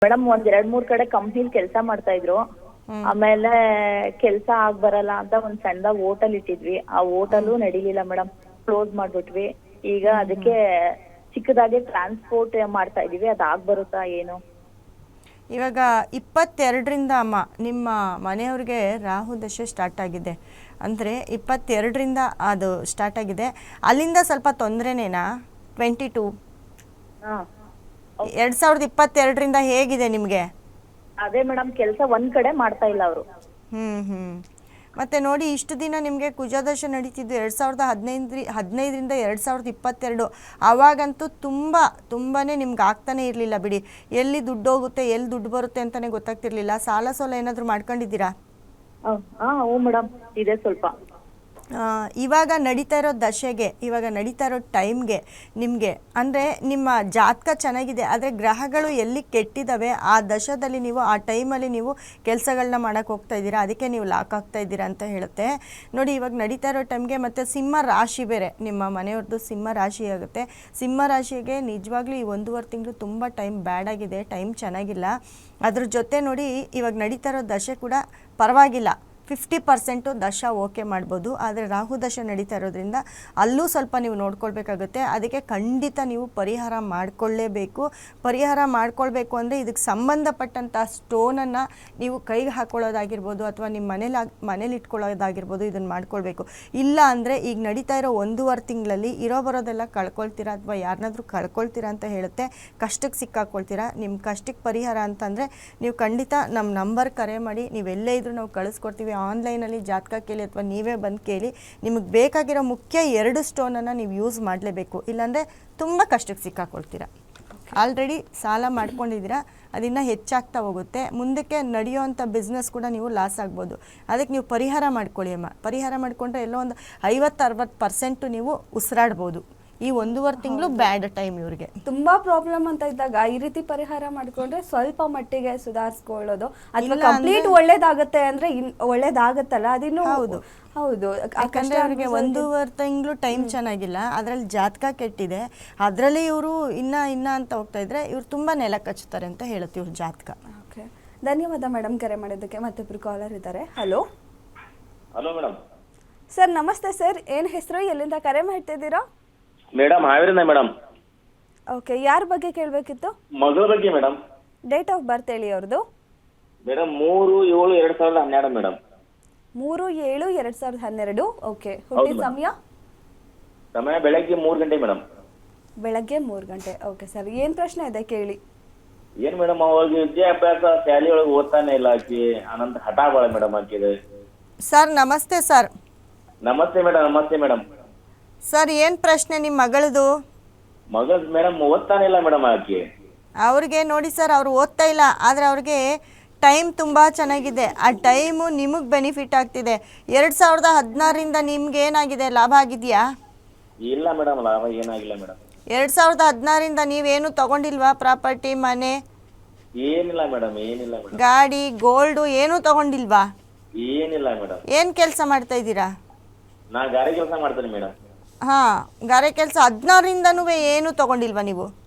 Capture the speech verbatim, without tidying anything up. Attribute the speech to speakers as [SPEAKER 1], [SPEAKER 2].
[SPEAKER 1] Madam ಒಂದ್ ಎರಡ್ ಮೂರ್ ಕಡೆ ಕಂಪ್ನಿಲ್ ಕೆಲಸ ಮಾಡ್ತಾ ಇದ್ರು. ಆಮೇಲೆ ಕೆಲಸ ಆಗ್ ಬರಲ್ಲ ಅಂತ ಒಂದ್ ಸಣ್ಣದಾಗ ಹೋಟೆಲ್ ಇಟ್ಟಿದ್ವಿ. ಆ ಹೋಟೆಲು ನಡೀಲಿಲ್ಲ ಮೇಡಮ್, ಕ್ಲೋಸ್ ಮಾಡ್ಬಿಟ್ವಿ. ಈಗ ಅದಕ್ಕೆ ಚಿಕ್ಕದಾಗಿ ಟ್ರಾನ್ಸ್ಪೋರ್ಟ್ ಮಾಡ್ತಾ ಇದೀವಿ. ಅದ್ ಆಗ್ ಬರುತ್ತಾ ಏನು?
[SPEAKER 2] ಇವಾಗ ಇಪ್ಪತ್ತೆರಡರಿಂದ ಅಮ್ಮ ನಿಮ್ಮ ಮನೆಯವ್ರಿಗೆ ರಾಹು ದಶೆ ಸ್ಟಾರ್ಟ್ ಆಗಿದೆ. ಅಂದರೆ ಇಪ್ಪತ್ತೆರಡರಿಂದ ಅದು ಸ್ಟಾರ್ಟ್ ಆಗಿದೆ. ಅಲ್ಲಿಂದ ಸ್ವಲ್ಪ ತೊಂದರೆನೇನಾ? ಟ್ವೆಂಟಿ ಟೂ ಎರಡು ಸಾವಿರದ ಇಪ್ಪತ್ತೆರಡರಿಂದ ಹೇಗಿದೆ ನಿಮಗೆ?
[SPEAKER 1] ಅದೇ ಮೇಡಮ್, ಕೆಲಸ ಒಂದ್ ಕಡೆ ಮಾಡ್ತಾ ಇಲ್ಲ ಅವರು.
[SPEAKER 2] ಹ್ಞೂ ಹ್ಞೂ ಮತ್ತು ನೋಡಿ, ಇಷ್ಟು ದಿನ ನಿಮಗೆ ಕುಜದಶೆ ನಡೀತಿದ್ದು ಎರಡು ಸಾವಿರದ ಹದಿನೈದು ಹದಿನೈದರಿಂದ ಎರಡು ಸಾವಿರದ ಇಪ್ಪತ್ತೆರಡು. ಆವಾಗಂತೂ ತುಂಬ ತುಂಬಾ ನಿಮ್ಗೆ ಆಗ್ತಾನೆ ಇರಲಿಲ್ಲ ಬಿಡಿ. ಎಲ್ಲಿ ದುಡ್ಡು ಹೋಗುತ್ತೆ, ಎಲ್ಲಿ ದುಡ್ಡು ಬರುತ್ತೆ ಅಂತಲೇ ಗೊತ್ತಾಗ್ತಿರ್ಲಿಲ್ಲ. ಸಾಲ ಸೋಲ ಏನಾದರೂ ಮಾಡ್ಕೊಂಡಿದ್ದೀರಾ?
[SPEAKER 1] ಹಾಂ ಹ್ಞೂ ಮೇಡಮ್, ಇದೆ ಸ್ವಲ್ಪ.
[SPEAKER 2] ಇವಾಗ ನಡೀತಾ ಇರೋ ದಶೆಗೆ, ಇವಾಗ ನಡೀತಾ ಇರೋ ಟೈಮ್ಗೆ ನಿಮಗೆ ಅಂದರೆ ನಿಮ್ಮ ಜಾತಕ ಚೆನ್ನಾಗಿದೆ, ಆದರೆ ಗ್ರಹಗಳು ಎಲ್ಲಿ ಕೆಟ್ಟಿದ್ದಾವೆ ಆ ದಶದಲ್ಲಿ ನೀವು ಆ ಟೈಮಲ್ಲಿ ನೀವು ಕೆಲಸಗಳನ್ನ ಮಾಡೋಕ್ಕೆ ಹೋಗ್ತಾ ಇದ್ದೀರಾ, ಅದಕ್ಕೆ ನೀವು ಲಾಕ್ ಆಗ್ತಾ ಇದ್ದೀರಾ ಅಂತ ಹೇಳುತ್ತೆ. ನೋಡಿ, ಇವಾಗ ನಡೀತಾ ಇರೋ ಟೈಮ್ಗೆ ಮತ್ತು ಸಿಂಹ ರಾಶಿ ಬೇರೆ ನಿಮ್ಮ ಮನೆಯವ್ರದ್ದು ಸಿಂಹ ರಾಶಿ ಆಗುತ್ತೆ. ಸಿಂಹ ರಾಶಿಗೆ ನಿಜವಾಗ್ಲೂ ಈ ಒಂದೂವರೆ ತಿಂಗಳು ತುಂಬ ಟೈಮ್ ಬ್ಯಾಡ್ ಆಗಿದೆ, ಟೈಮ್ ಚೆನ್ನಾಗಿಲ್ಲ. ಅದ್ರ ಜೊತೆ ನೋಡಿ, ಇವಾಗ ನಡೀತಾ ಇರೋ ದಶೆ ಕೂಡ ಪರವಾಗಿಲ್ಲ, ಫಿಫ್ಟಿ ಪರ್ಸೆಂಟು ದಶ ಓಕೆ ಮಾಡ್ಬೋದು. ಆದರೆ ರಾಹು ದಶ ನಡೀತಾ ಇರೋದ್ರಿಂದ ಅಲ್ಲೂ ಸ್ವಲ್ಪ ನೀವು ನೋಡ್ಕೊಳ್ಬೇಕಾಗುತ್ತೆ. ಅದಕ್ಕೆ ಖಂಡಿತ ನೀವು ಪರಿಹಾರ ಮಾಡಿಕೊಳ್ಳೇಬೇಕು. ಪರಿಹಾರ ಮಾಡ್ಕೊಳ್ಬೇಕು ಅಂದರೆ ಇದಕ್ಕೆ ಸಂಬಂಧಪಟ್ಟಂಥ ಸ್ಟೋನನ್ನು ನೀವು ಕೈಗೆ ಹಾಕ್ಕೊಳ್ಳೋದಾಗಿರ್ಬೋದು, ಅಥವಾ ನಿಮ್ಮ ಮನೇಲಿ ಮನೇಲಿ ಇಟ್ಕೊಳ್ಳೋದಾಗಿರ್ಬೋದು, ಇದನ್ನು ಮಾಡ್ಕೊಳ್ಬೇಕು. ಇಲ್ಲ ಅಂದರೆ ಈಗ ನಡೀತಾ ಇರೋ ಒಂದೂವರೆ ತಿಂಗಳಲ್ಲಿ ಇರೋ ಬರೋದೆಲ್ಲ ಕಳ್ಕೊಳ್ತೀರಾ, ಅಥವಾ ಯಾರನ್ನಾದ್ರೂ ಕಳ್ಕೊಳ್ತೀರಾ ಅಂತ ಹೇಳುತ್ತೆ. ಕಷ್ಟಕ್ಕೆ ಸಿಕ್ಕಾಕೊಳ್ತೀರಾ. ನಿಮ್ಮ ಕಷ್ಟಕ್ಕೆ ಪರಿಹಾರ ಅಂತಂದರೆ ನೀವು ಖಂಡಿತ ನಮ್ಮ ನಂಬರ್ ಕರೆ ಮಾಡಿ, ನೀವೆಲ್ಲೇ ಇದ್ರೂ ನಾವು ಕಳಿಸ್ಕೊಡ್ತೀವಿ. ಆನ್ಲೈನಲ್ಲಿ ಜಾತಕ ಕೇಳಿ ಅಥವಾ ನೀವೇ ಬಂದು ಕೇಳಿ. ನಿಮಗೆ ಬೇಕಾಗಿರೋ ಮುಖ್ಯ ಎರಡು ಸ್ಟೋನನ್ನು ನೀವು ಯೂಸ್ ಮಾಡಲೇಬೇಕು, ಇಲ್ಲಾಂದರೆ ತುಂಬ ಕಷ್ಟಕ್ಕೆ ಸಿಕ್ಕಾಕೊಳ್ತೀರಾ. ಆಲ್ರೆಡಿ ಸಾಲ ಮಾಡ್ಕೊಂಡಿದ್ದೀರಾ, ಅದನ್ನು ಹೆಚ್ಚಾಗ್ತಾ ಹೋಗುತ್ತೆ. ಮುಂದಕ್ಕೆ ನಡೆಯೋವಂಥ ಬಿಸ್ನೆಸ್ ಕೂಡ ನೀವು ಲಾಸ್ ಆಗ್ಬೋದು. ಅದಕ್ಕೆ ನೀವು ಪರಿಹಾರ ಮಾಡ್ಕೊಳ್ಳಿ ಅಮ್ಮ. ಪರಿಹಾರ ಮಾಡಿಕೊಂಡ್ರೆ ಎಲ್ಲೋ ಒಂದು ಐವತ್ತು ಅರವತ್ತು ಪರ್ಸೆಂಟು ನೀವು ಉಸಿರಾಡ್ಬೋದು. ಈ ಒಂದೂವರೆ ತಿಂಗಳು ಬ್ಯಾಡ್ ಟೈಮ್ ಇವ್ರಿಗೆ.
[SPEAKER 3] ತುಂಬಾ ಪ್ರಾಬ್ಲಮ್ ಅಂತ ಇದ್ದಾಗ ಈ ರೀತಿ ಪರಿಹಾರ ಮಾಡ್ಕೊಂಡ್ರೆ ಸ್ವಲ್ಪ ಮಟ್ಟಿಗೆ ಸುಧಾರಿಸ್ಕೊಳ್ಳೋದು, ಅಥವಾ ಕಂಪ್ಲೀಟ್ ಒಳ್ಳೇದಾಗತ್ತೆ ಅಂದ್ರೆ ಒಳ್ಳೇದಾಗತ್ತಲ್ಲ, ಅದಿನ್ನು
[SPEAKER 2] ಹೌದು
[SPEAKER 3] ಹೌದು.
[SPEAKER 2] ಯಾಕಂದ್ರೆ ಅವರಿಗೆ ಒಂದೂವರೆ ತಿಂಗಳು ಟೈಮ್ ಚೆನ್ನಾಗಿಲ್ಲ, ಅದರಲ್ಲಿ ಜಾತಕ ಕೆಟ್ಟಿದೆ, ಅದರಲ್ಲಿ ಇವರು ಇನ್ನ ಇನ್ನ ಅಂತ ಹೋಗ್ತಾ ಇದ್ರೆ ಇವ್ರು ತುಂಬಾ ನೆಲ ಕಚ್ಚುತ್ತಾರೆ ಅಂತ ಹೇಳುತ್ತೆ ಇವ್ರ ಜಾತಕ.
[SPEAKER 3] ಓಕೆ, ಧನ್ಯವಾದ ಮೇಡಮ್ ಕರೆ ಮಾಡೋದಕ್ಕೆ. ಮತ್ತೊಬ್ರು ಕಾಲರ್ ಇದ್ದಾರೆ. Hello
[SPEAKER 4] hello madam.
[SPEAKER 3] ಸರ್ ನಮಸ್ತೆ ಸರ್, ಏನ್ ಹೆಸರು, ಎಲ್ಲಿಂದ ಕರೆ ಮಾಡ್ತಿದ್ದೀರಾ?
[SPEAKER 4] Madam ಹಾವೇರಿಯಿಂದ madam.
[SPEAKER 3] ಓಕೆ, ಯಾರ ಬಗ್ಗೆ ಕೇಳಬೇಕಿತ್ತು?
[SPEAKER 4] ಮಗಳ ಬಗ್ಗೆ ಮೇಡಮ್.
[SPEAKER 3] ಡೇಟ್ ಆಫ್ ಬರ್ತ್ ಹೇಳಿ ಅವ್ರದ್ದು.
[SPEAKER 4] ಮೇಡಮ್ ಮೂರು ಏಳು ಎರಡ್ ಸಾವಿರದ ಹನ್ನೆರಡು ಮೇಡಮ್.
[SPEAKER 3] ಮೂರು ಏಳು ಎರಡ್ ಸಾವಿರದ ಹನ್ನೆರಡು. ಓಕೆ, ಹುಟ್ಟಿದ ಸಮಯ?
[SPEAKER 4] ಸಮಯ ಬೆಳಗ್ಗೆ ಮೂರು ಗಂಟೆ ಮೇಡಮ್.
[SPEAKER 3] ಬೆಳಗ್ಗೆ ಮೂರು ಗಂಟೆ. ಓಕೆ ಸರ್, ಏನ್ ಪ್ರಶ್ನೆ ಇದೆ ಕೇಳಿ.
[SPEAKER 4] ಏನ್ ಮೇಡಮ್, ಅವಾಗ ವಿದ್ಯಾಭ್ಯಾಸ ಶಾಲೆ ಒಳಗೆ ಓದ್ತಾನೆ ಇಲ್ಲ ಆಕಿ, ಅನಂತ ಹಠ ಬಾಳ ಮೇಡಮ್ ಆಕಿದೆ.
[SPEAKER 2] ಸರ್ ನಮಸ್ತೆ ಸರ್.
[SPEAKER 4] ನಮಸ್ತೆ ಮೇಡಮ್. ನಮಸ್ತೆ ಮೇಡಮ್.
[SPEAKER 2] ಸರ್ ಏನು ಪ್ರಶ್ನೆ ನಿಮ್ಮ ಮಗಳದು?
[SPEAKER 4] ಮಗಳ ಮೇಡಮ್ ಓದ್ತಾನೆ ಇಲ್ಲ ಮೇಡಮ್ ಆಕಿ.
[SPEAKER 2] ಅವ್ರಿಗೆ ನೋಡಿ ಸರ್, ಅವ್ರು ಓದ್ತಾ ಇಲ್ಲ, ಆದರೆ ಅವ್ರಿಗೆ ಟೈಮ್ ತುಂಬ ಚೆನ್ನಾಗಿದೆ. ಆ ಟೈಮು ನಿಮಗೆ ಬೆನಿಫಿಟ್ ಆಗ್ತಿದೆ. ಎರಡು ಸಾವಿರದ ಹದಿನಾರರಿಂದ ನಿಮ್ಗೆ ಏನಾಗಿದೆ, ಲಾಭ ಆಗಿದೆಯಾ?
[SPEAKER 4] ಇಲ್ಲ ಮೇಡಮ್, ಲಾಭ ಏನಾಗಿಲ್ಲ ಮೇಡಮ್.
[SPEAKER 2] ಎರಡು ಸಾವಿರದ ಹದಿನಾರರಿಂದ ನೀವೇನು ತಗೊಂಡಿಲ್ವಾ? ಪ್ರಾಪರ್ಟಿ, ಮನೆ,
[SPEAKER 4] ಏನಿಲ್ಲ ಮೇಡಮ್, ಏನಿಲ್ಲ ಮೇಡಮ್.
[SPEAKER 2] ಗಾಡಿ, ಗೋಲ್ಡು ಏನೂ ತಗೊಂಡಿಲ್ವಾ?
[SPEAKER 4] ಏನಿಲ್ಲ ಮೇಡಮ್.
[SPEAKER 2] ಏನು ಕೆಲಸ ಮಾಡ್ತಾ ಇದ್ದೀರಾ?
[SPEAKER 4] ನಾ ಗಾರೆ ಕೆಲಸ ಮಾಡ್ತೇನೆ ಮೇಡಮ್.
[SPEAKER 2] ಹಾಂ, ಗಾರೆ ಕೆಲಸ. ಹದಿನಾರರಿಂದನೂ ಏನು ತಗೊಂಡಿಲ್ವಾ ನೀವು?